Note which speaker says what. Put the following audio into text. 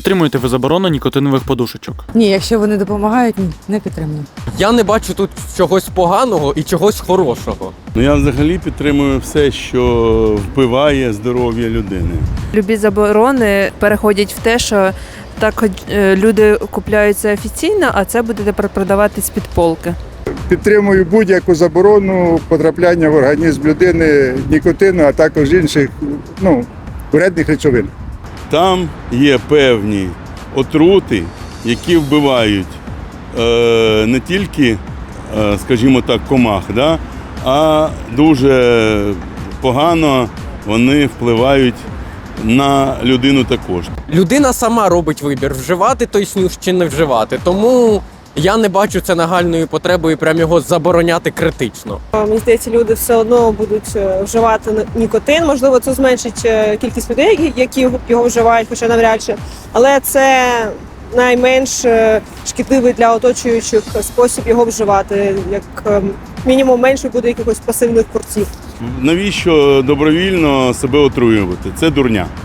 Speaker 1: підтримуєте ви заборону нікотинових подушечок?
Speaker 2: Ні, якщо вони допомагають, ні, не підтримую.
Speaker 3: Я не бачу тут чогось поганого і чогось хорошого.
Speaker 4: Я взагалі підтримую все, що вбиває здоров'я людини.
Speaker 5: Любі заборони переходять в те, що так люди купляються офіційно, а це буде тепер продаватись під полки.
Speaker 6: Підтримую будь-яку заборону потрапляння в організм людини нікотину, а також інших вредних речовин.
Speaker 4: Там є певні отрути, які вбивають не тільки, скажімо так, комах, да, а дуже погано вони впливають на людину також.
Speaker 3: Людина сама робить вибір, вживати той снюс чи не вживати. Тому я не бачу це нагальною потребою прям його забороняти критично.
Speaker 7: Мені здається, люди все одно будуть вживати нікотин. Можливо, це зменшить кількість людей, які його вживають, хоча навряд чи. Але це найменш шкідливий для оточуючих спосіб його вживати. Як мінімум менше буде якихось пасивних курців.
Speaker 4: Навіщо добровільно себе отруювати? Це дурня.